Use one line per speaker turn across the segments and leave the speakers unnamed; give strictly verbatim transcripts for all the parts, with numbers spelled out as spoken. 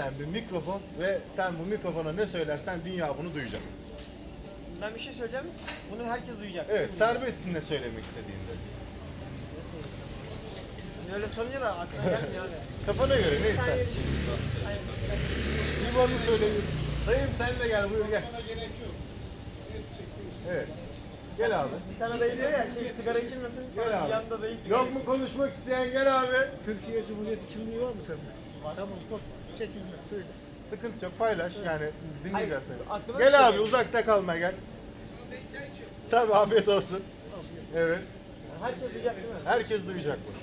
sen bir mikrofon ve sen bu mikrofona ne söylersen dünya bunu duyacak.
Ben bir şey söyleyeceğim. Bunu herkes duyacak.
Evet, serbestsin ne söylemek istediğinde.
Öyle sorunca da aklına gelmiyor abi.
Kafana göre ne
Sen
istersin?
Hayır.
Bir bana söyle. Dayım sen de gel, buyur gel. Evet. Gel abi.
Bir tane dayı diyor ya şey sigara içilmesin.
Gel abi.
Yanında dayı sigara
Yok mu konuşmak isteyen, gel abi.
Türkiye Cumhuriyeti kimliği var mı sende? Var. Tamam, bak, çekinme, söyle.
Sıkıntı yok, paylaş yani biz dinleyeceğiz
Hayır,
seni.
aklıma bir
Gel
şey
abi
geldi.
uzakta kalma gel. Tabii afiyet olsun. Evet.
Herkes duyacak değil mi?
Herkes duyacak bu.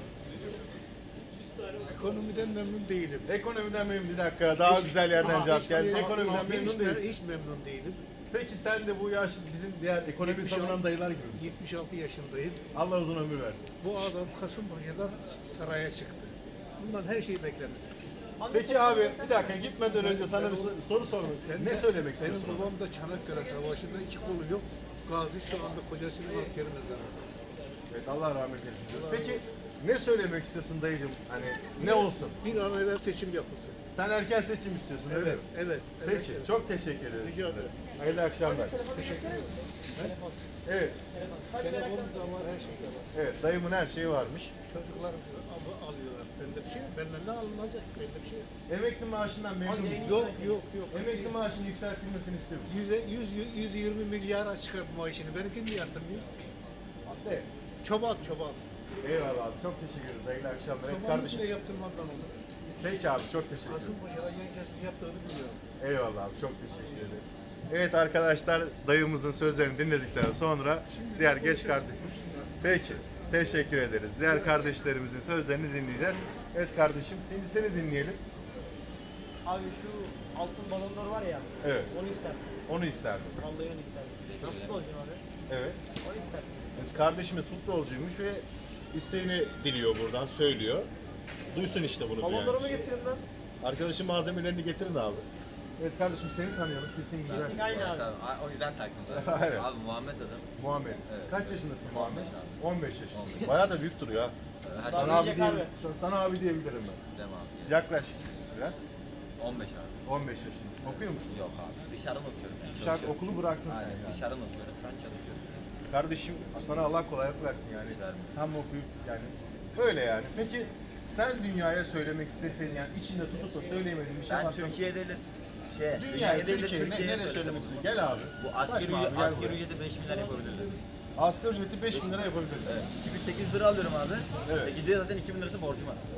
Ekonomiden memnun değilim.
Ekonomiden memnun, bir dakika daha güzel yerden
Aa,
cevap
hiç-
geldi.
hiç-
Ekonomiden
hiç-
memnun
hiç-
değilsin.
Hiç memnun değilim.
Peki sen de bu yaş bizim diğer ekonomi
yetmiş
savunan
altı
dayılar gibi misin?
yetmiş altı yaşındayım.
Allah uzun ömür versin.
Bu adam Kasımpaşa'dan saraya çıktı. Bundan her şeyi beklenir.
Peki abi bir dakika gitmeden önce sana bir sor- soru sormak.
Ben
Ne
de-
söylemek
Benim
istiyorsun?
babam da Çanakkale Savaşı'nda iki kolu yok. Gazi şu anda kocasının askeri mezarında.
Evet Allah rahmet eylesin. diyor. Peki ne söylemek istiyorsun dayıcım? Hani ne olsun?
Bir an evvel seçim yapılsın.
Sen erken seçim istiyorsun öyle
Evet,
mi?
evet.
Peki
evet.
çok teşekkür ederim.
Rica
size.
ederim.
Hayırlı akşamlar.
Teşekkür misin? Telefon.
Evet.
Telefon. Hadi merak
Telefonum
etme.
da var, her şey de var.
Evet dayımın her şeyi varmış.
Çocuklar al- alıyorlar. Bende bir şey yok. Benden ne alınacak? Bende bir şey yok.
Emekli maaşından memnun
Hadi
musun?
Yok, yok, yok.
Emekli maaşının yükseltilmesini istiyor musun?
Yüze, yüz, yüz yirmi milyara çıkar maaşını. Benimki niye yaptırmıyor?
Hadi.
Çoban, çoban.
Eyvallah abi çok teşekkür ederiz. Hayırlı akşamlar. Evet
Çobanlık
kardeşim.
bile yaptırmadan olur.
Peki abi çok teşekkür ederim.
Kasımpaşa'da Yenkes'in yaptığını biliyorum.
Eyvallah abi çok teşekkür ederim. Evet arkadaşlar dayımızın sözlerini dinledikten sonra
Şimdi
diğer
konuşuruz,
geç kardeş.
konuşsunlar.
Peki teşekkür ederiz. Diğer kardeşlerimizin sözlerini dinleyeceğiz. Evet kardeşim şimdi seni dinleyelim.
Abi şu altın balonlar var ya.
Evet.
Onu isterdim.
Onu isterdim.
Vallahi onu isterdim. Ben futbolcuyum abi.
Evet.
Onu isterdim.
Evet, kardeşimiz futbolcuymuş ve isteğini diliyor buradan söylüyor. Duysun işte bunu. duyan
Balonlarımı
kişi.
getirin lan.
Arkadaşın malzemelerini getirin abi. Evet kardeşim seni tanıyalım. Kesin güzel.
Kesin aynı abi.
Tamam, o yüzden taktım zaten.
Aynen.
Abi Muhammed adım.
Muhammed.
Evet.
Kaç yaşındasın Muhammed?
on beş abi.
on beş yaşındasın.
on beş.
Bayağı da büyük duruyor ha.
Her
Daha
Sana abi,
büyüyecek
diye,
abi.
şu an sana abi diyebilirim ben.
Dem abi.
Yaklaş biraz.
on beş abi.
on beş yaşındasın. Okuyor musun?
Yok abi. Dışarıdan okuyorum. Yani.
Dışarı
Çalışıyorum.
okulu bıraktın sen
Aynen.
yani.
Dışarıdan okuyorum. Şu an çalışıyorum.
Kardeşim sana Allah kolaylık versin yani.
Güzel.
Hem okuyup yani öyle yani. Peki sen dünyaya söylemek istesen yani içinde tutup da söyleyemediğin bir şey
Ben
varsa
Türkiye'de de şey,
dünyaya,
değil de
Türkiye'ye ne,
Türkiye'ye
nereye
söylesem
söylemek
olur.
istiyorsun? Gel abi.
Bu asgari,
Başla abi,
ücret,
gel
asgari
buraya.
ücreti beş milyar yapabilirler.
Asgari ücreti beş bin lira yapabilirim.
Evet. iki bin sekiz yüz lira alıyorum abi.
Evet.
E, gidiyor zaten iki bin lirası borcum var.